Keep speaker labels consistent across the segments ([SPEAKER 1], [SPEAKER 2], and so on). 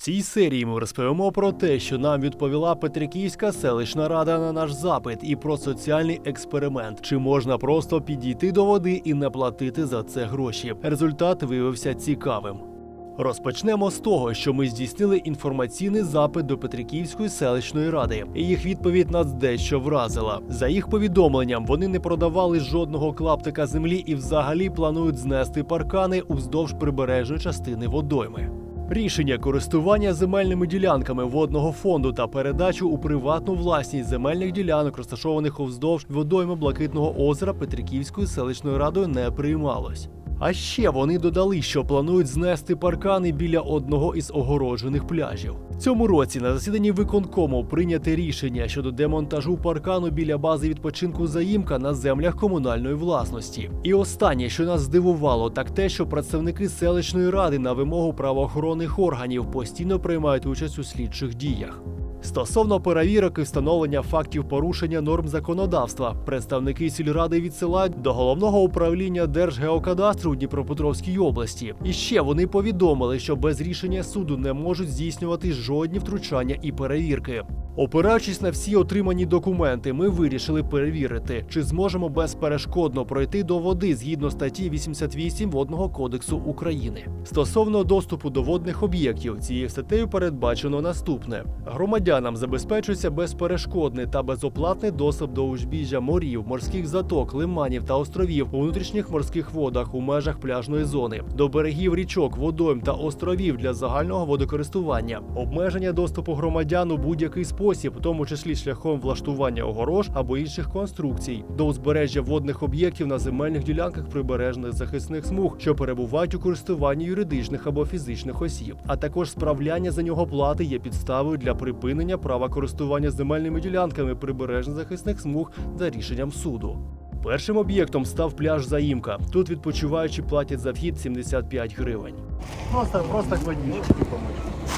[SPEAKER 1] цій серії ми розповімо про те, що нам відповіла Петриківська селищна рада на наш запит, і про соціальний експеримент. Чи можна просто підійти до води і не платити за це гроші? Результат виявився цікавим. Розпочнемо з того, що ми здійснили інформаційний запит до Петриківської селищної ради. І їх відповідь нас дещо вразила. За їх повідомленням, вони не продавали жодного клаптика землі і взагалі планують знести паркани уздовж прибережної частини водойми. Рішення користування земельними ділянками водного фонду та передачу у приватну власність земельних ділянок, розташованих уздовж водойми Блакитного озера, Петриківською селищною радою не приймалось. А ще вони додали, що планують знести паркани біля одного із огороджених пляжів. В цьому році на засіданні виконкому прийняте рішення щодо демонтажу паркану біля бази відпочинку «Заїмка» на землях комунальної власності. І останнє, що нас здивувало, так те, що представники селищної ради на вимогу правоохоронних органів постійно приймають участь у слідчих діях. Стосовно перевірок і встановлення фактів порушення норм законодавства, представники сільради відсилають до Головного управління Держгеокадастру у Дніпропетровській області. І ще вони повідомили, що без рішення суду не можуть здійснювати жодні втручання і перевірки. Опираючись на всі отримані документи, ми вирішили перевірити, чи зможемо безперешкодно пройти до води згідно статті 88 Водного кодексу України. Стосовно доступу до водних об'єктів, цією статтею передбачено наступне. Громадянам забезпечується безперешкодний та безоплатний доступ до узбіжжя морів, морських заток, лиманів та островів у внутрішніх морських водах у межах пляжної зони, до берегів річок, водойм та островів для загального водокористування, обмеження доступу громадян у будь-який спосіб, в тому числі шляхом влаштування огорож або інших конструкцій, до узбережжя водних об'єктів на земельних ділянках прибережних захисних смуг, що перебувають у користуванні юридичних або фізичних осіб, а також справляння за нього плати є підставою для припинення права користування земельними ділянками прибережних захисних смуг за рішенням суду. Першим об'єктом став пляж «Заїмка». Тут відпочиваючі платять за вхід 75 гривень.
[SPEAKER 2] Просто к водичке помочь.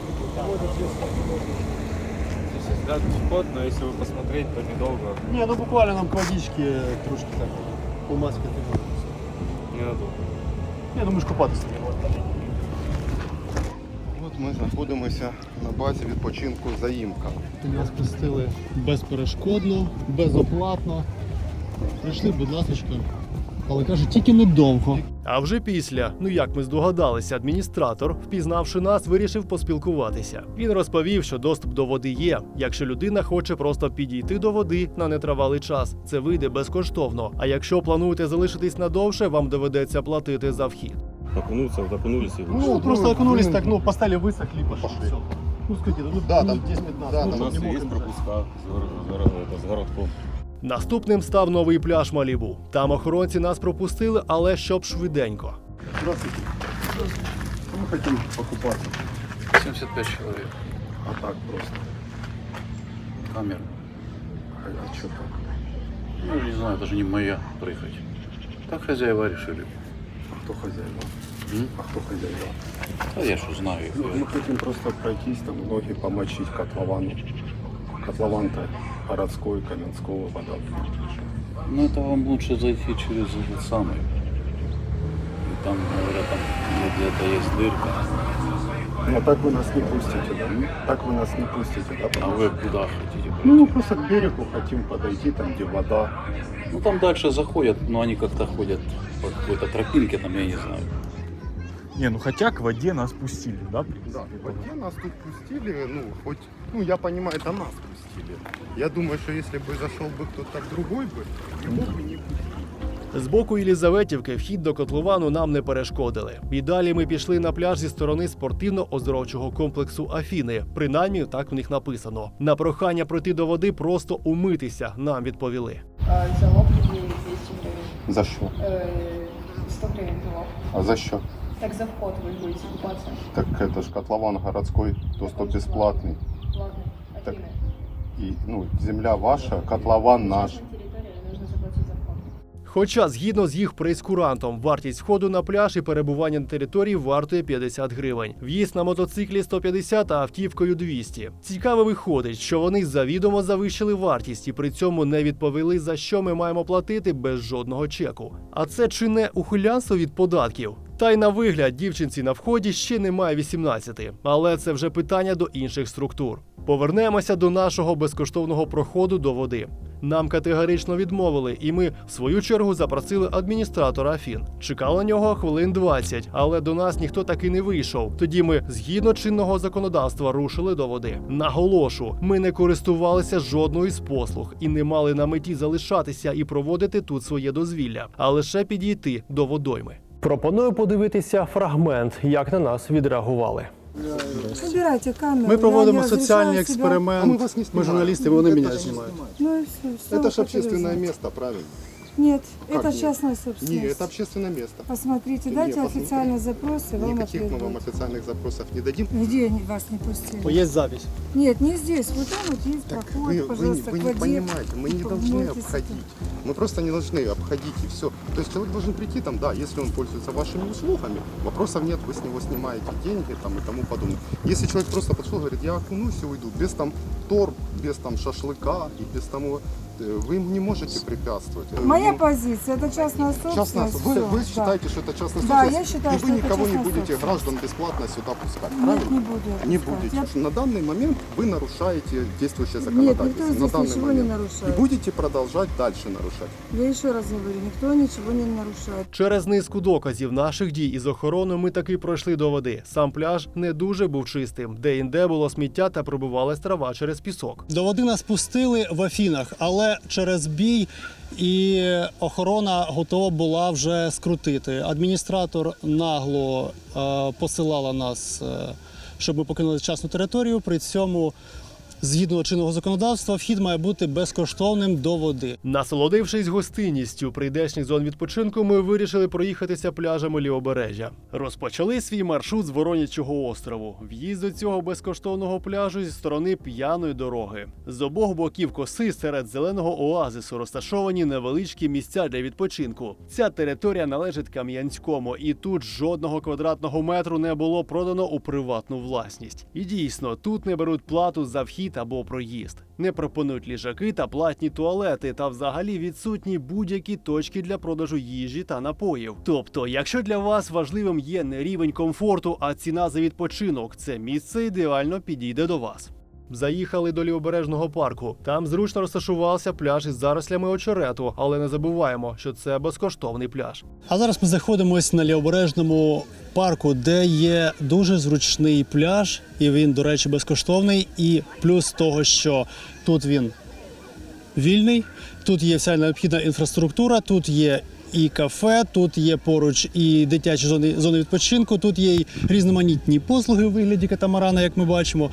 [SPEAKER 3] Да, вход, но если вы посмотреть, то недолго.
[SPEAKER 2] Не, ну буквально нам к водичке трошки так помаскати.
[SPEAKER 3] Ненадолго.
[SPEAKER 2] Не, ну ми ж купатися не можемо.
[SPEAKER 4] От ми знаходимося на базі відпочинку «Заїмка».
[SPEAKER 2] Нас пустили безперешкодно, безоплатно. Прийшли, будь ласка. Але каже, тільки недовго.
[SPEAKER 1] А вже після, як ми здогадалися, адміністратор, впізнавши нас, вирішив поспілкуватися. Він розповів, що доступ до води є. Якщо людина хоче просто підійти до води на нетривалий час, це вийде безкоштовно. А якщо плануєте залишитись надовше, вам доведеться платити за вхід.
[SPEAKER 3] Окунуться, вот окунулись и вышли.
[SPEAKER 2] Ну, просто окунулись так, поставили, высохли и пошли. Все. Ну, скажите,
[SPEAKER 4] Да, там
[SPEAKER 2] 10-15.
[SPEAKER 4] да,
[SPEAKER 3] У
[SPEAKER 4] там
[SPEAKER 3] нас
[SPEAKER 2] не
[SPEAKER 3] есть
[SPEAKER 2] мокрым
[SPEAKER 3] пропуска с городком.
[SPEAKER 1] Наступним став новий пляж Малібу. Там охоронці нас пропустили, але щоб швиденько.
[SPEAKER 2] Здравствуйте. Мы хотим покупаться.
[SPEAKER 5] 75 человек.
[SPEAKER 2] А так просто.
[SPEAKER 5] Камера.
[SPEAKER 2] А что так?
[SPEAKER 5] Ну, не знаю, даже не моя проехать. Так хозяева решили.
[SPEAKER 2] А кто хозяева?
[SPEAKER 5] М?
[SPEAKER 2] А кто хозяева?
[SPEAKER 5] А я что знаю их.
[SPEAKER 2] Мы хотим просто пройтись, там ноги помочить котловану. Котлован-то городской, Каменского, вода.
[SPEAKER 5] Ну, это вам лучше зайти через этот самый. И там, говорят, там где-то есть дырка.
[SPEAKER 2] Но так вы нас не пустите, да? Так вы нас не пустите, да?
[SPEAKER 5] А вы куда хотите пройти?
[SPEAKER 2] Ну, мы просто к берегу хотим подойти, там, где вода.
[SPEAKER 5] Ну, там дальше заходят, но они как-то ходят по какой-то тропинке, там, я не знаю.
[SPEAKER 6] Не, ну хотя к воде нас пустили, да?
[SPEAKER 4] Да, в воде нас тут пустили, я понимаю, это нас пустили. Я думаю, что если бы зашел бы кто-то другой бы, его бы не пустили.
[SPEAKER 1] З боку Єлізаветівки вхід до котловану нам не перешкодили. І далі ми пішли на пляж зі сторони спортивно-оздоровчого комплексу Афіни. Принаймні, так в них написано. На прохання пройти до води просто умитися нам відповіли.
[SPEAKER 7] Залог 200 гривень.
[SPEAKER 4] За що?
[SPEAKER 7] 100 гривень залог.
[SPEAKER 4] А за що?
[SPEAKER 7] Так за вход вы будете купаться.
[SPEAKER 4] Так это ж котлован городской, доступ бесплатный.
[SPEAKER 7] Ладно,
[SPEAKER 4] Так.
[SPEAKER 7] Афины.
[SPEAKER 4] И, земля ваша, котлован наш.
[SPEAKER 7] Частная территория, нужно заплатить за вход.
[SPEAKER 1] Хоча, згідно з їх прейскурантом, вартість входу на пляж і перебування на території вартує 50 гривень. В'їзд на мотоциклі 150, а автівкою 200. Цікаво виходить, що вони завідомо завищили вартість і при цьому не відповіли, за що ми маємо платити без жодного чеку. А це чи не ухилянство від податків? Та й на вигляд дівчинці на вході ще немає 18, але це вже питання до інших структур. Повернемося до нашого безкоштовного проходу до води. Нам категорично відмовили, і ми, в свою чергу, запросили адміністратора Афін. Чекали на нього хвилин 20, але до нас ніхто таки не вийшов. Тоді ми, згідно чинного законодавства, рушили до води. Наголошу, ми не користувалися жодною з послуг і не мали на меті залишатися і проводити тут своє дозвілля, а лише підійти до водойми. Пропоную подивитися фрагмент, як на нас відреагували.
[SPEAKER 8] Убирайте камеру.
[SPEAKER 9] Ми проводимо
[SPEAKER 8] Я не
[SPEAKER 9] соціальний
[SPEAKER 8] разрешаю себя.
[SPEAKER 2] А мы
[SPEAKER 9] експеримент.
[SPEAKER 2] вас не
[SPEAKER 9] Ми
[SPEAKER 2] снимаем.
[SPEAKER 9] журналісти, вони мене
[SPEAKER 2] Это-
[SPEAKER 9] знімають.
[SPEAKER 8] Ну и все.
[SPEAKER 2] Это же общественное место, правильно?
[SPEAKER 8] Нет,
[SPEAKER 2] Как
[SPEAKER 8] это
[SPEAKER 2] нет?
[SPEAKER 8] частная
[SPEAKER 2] Не,
[SPEAKER 8] собственность.
[SPEAKER 2] это общественное место.
[SPEAKER 8] Посмотрите,
[SPEAKER 2] Не,
[SPEAKER 8] дайте
[SPEAKER 2] посмотри.
[SPEAKER 8] официальный запрос, и вам
[SPEAKER 2] Никаких мы вам
[SPEAKER 8] ответят.
[SPEAKER 2] официальных запросов не дадим.
[SPEAKER 8] Где они вас не пустили?
[SPEAKER 9] Є запись.
[SPEAKER 8] Нет, не здесь. Вот там вот есть
[SPEAKER 2] Так
[SPEAKER 8] проход,
[SPEAKER 2] вы
[SPEAKER 8] пожалуйста,
[SPEAKER 2] не
[SPEAKER 8] к воде.
[SPEAKER 2] понимаете, мы не должны
[SPEAKER 8] Помойтесь.
[SPEAKER 2] обходить. Мы просто не должны обходить и все. То есть человек должен прийти там, да, если он пользуется вашими услугами, вопросов нет, вы с него снимаете деньги там и тому подобное. Если человек просто подошел, говорит, я окунусь и уйду, без там тор, без там шашлыка и без того, вы ему не можете препятствовать.
[SPEAKER 8] Моя
[SPEAKER 2] Ну,
[SPEAKER 8] позиция, это частная собственность.
[SPEAKER 2] частная, вы
[SPEAKER 8] всё, да.
[SPEAKER 2] считаете, что это частная
[SPEAKER 8] Да,
[SPEAKER 2] собственность,
[SPEAKER 8] я считаю,
[SPEAKER 2] и
[SPEAKER 8] что
[SPEAKER 2] вы
[SPEAKER 8] это
[SPEAKER 2] никого не
[SPEAKER 8] частная
[SPEAKER 2] будете,
[SPEAKER 8] собственность.
[SPEAKER 2] граждан, бесплатно сюда пускать,
[SPEAKER 8] Нет,
[SPEAKER 2] правильно?
[SPEAKER 8] не буду я
[SPEAKER 2] Не
[SPEAKER 8] пускать.
[SPEAKER 2] будете.
[SPEAKER 8] Я-
[SPEAKER 2] Потому что на данный момент вы нарушаете действующее
[SPEAKER 8] Нет,
[SPEAKER 2] законодательство.
[SPEAKER 8] никто
[SPEAKER 2] на
[SPEAKER 8] здесь
[SPEAKER 2] данный
[SPEAKER 8] ничего не
[SPEAKER 2] момент.
[SPEAKER 8] нарушает.
[SPEAKER 2] И будете продолжать дальше нарушать.
[SPEAKER 8] Я еще раз говорю, никто ничего не нарушает.
[SPEAKER 1] Через низку доказів наших дій із охороною ми таки пройшли до води. Сам пляж не дуже був чистим. Де-інде було сміття та пробивалась трава через пісок.
[SPEAKER 9] До води нас пустили в Афінах, але через бій і охорона готова була вже скрутити. Адміністратор нагло посилала нас, щоб ми покинули частну територію. При цьому, згідно чинного законодавства, вхід має бути безкоштовним до води.
[SPEAKER 1] Насолодившись гостинністю прийдешніх зон відпочинку, ми вирішили проїхатися пляжами лівобережжя. Розпочали свій маршрут з Воронячого острову. В'їзд до цього безкоштовного пляжу зі сторони п'яної дороги. З обох боків коси серед зеленого оазису розташовані невеличкі місця для відпочинку. Ця територія належить Кам'янському, і тут жодного квадратного метру не було продано у приватну власність. І дійсно, тут не беруть плату за вхід або проїзд. Не пропонують ліжаки та платні туалети, та взагалі відсутні будь-які точки для продажу їжі та напоїв. Тобто, якщо для вас важливим є не рівень комфорту, а ціна за відпочинок, це місце ідеально підійде до вас. Заїхали до лівобережного парку. Там зручно розташувався пляж із зарослями очерету, але не забуваємо, що це безкоштовний пляж.
[SPEAKER 9] А зараз ми знаходимося на лівобережному парку, де є дуже зручний пляж, і він, до речі, безкоштовний. І плюс того, що тут він вільний, тут є вся необхідна інфраструктура, тут є і кафе, тут є поруч і дитячі зони відпочинку, тут є і різноманітні послуги у вигляді катамарана, як ми бачимо.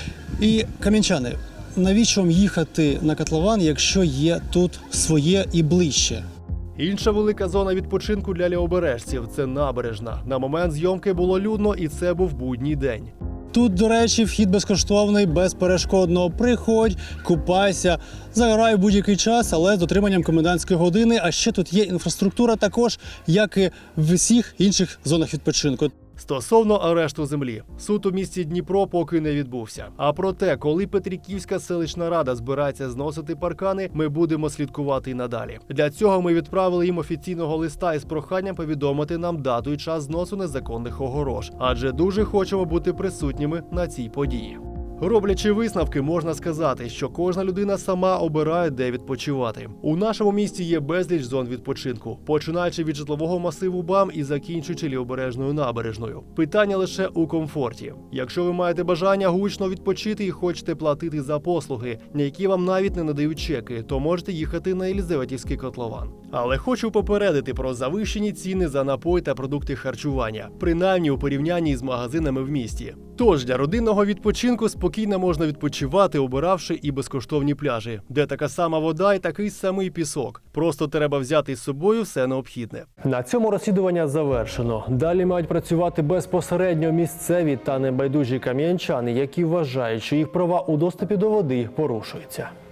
[SPEAKER 9] І, кам'янчани, навіщо вам їхати на котлован, якщо є тут своє і ближче?
[SPEAKER 1] Інша велика зона відпочинку для лівобережців – це набережна. На момент зйомки було людно, і це був будній день.
[SPEAKER 9] Тут, до речі, вхід безкоштовний, безперешкодно. Приходь, купайся, загорай в будь-який час, але з дотриманням комендантської години. А ще тут є інфраструктура також, як і в усіх інших зонах відпочинку.
[SPEAKER 1] Стосовно арешту землі, суд у місті Дніпро поки не відбувся. А про те, коли Петриківська селищна рада збирається зносити паркани, ми будемо слідкувати і надалі. Для цього ми відправили їм офіційного листа із проханням повідомити нам дату і час зносу незаконних огорож, адже дуже хочемо бути присутніми на цій події. Роблячи висновки, можна сказати, що кожна людина сама обирає, де відпочивати. У нашому місті є безліч зон відпочинку, починаючи від житлового масиву БАМ і закінчуючи лівобережною набережною. Питання лише у комфорті. Якщо ви маєте бажання гучно відпочити і хочете платити за послуги, на які вам навіть не надають чеки, то можете їхати на Єлизаветівський котлован. Але хочу попередити про завищені ціни за напої та продукти харчування, принаймні у порівнянні з магазинами в місті. Тож для родинного відпочинку спокійно можна відпочивати, обиравши і безкоштовні пляжі, де така сама вода і такий самий пісок. Просто треба взяти з собою все необхідне. На цьому розслідування завершено. Далі мають працювати безпосередньо місцеві та небайдужі кам'янчани, які вважають, що їх права у доступі до води порушуються.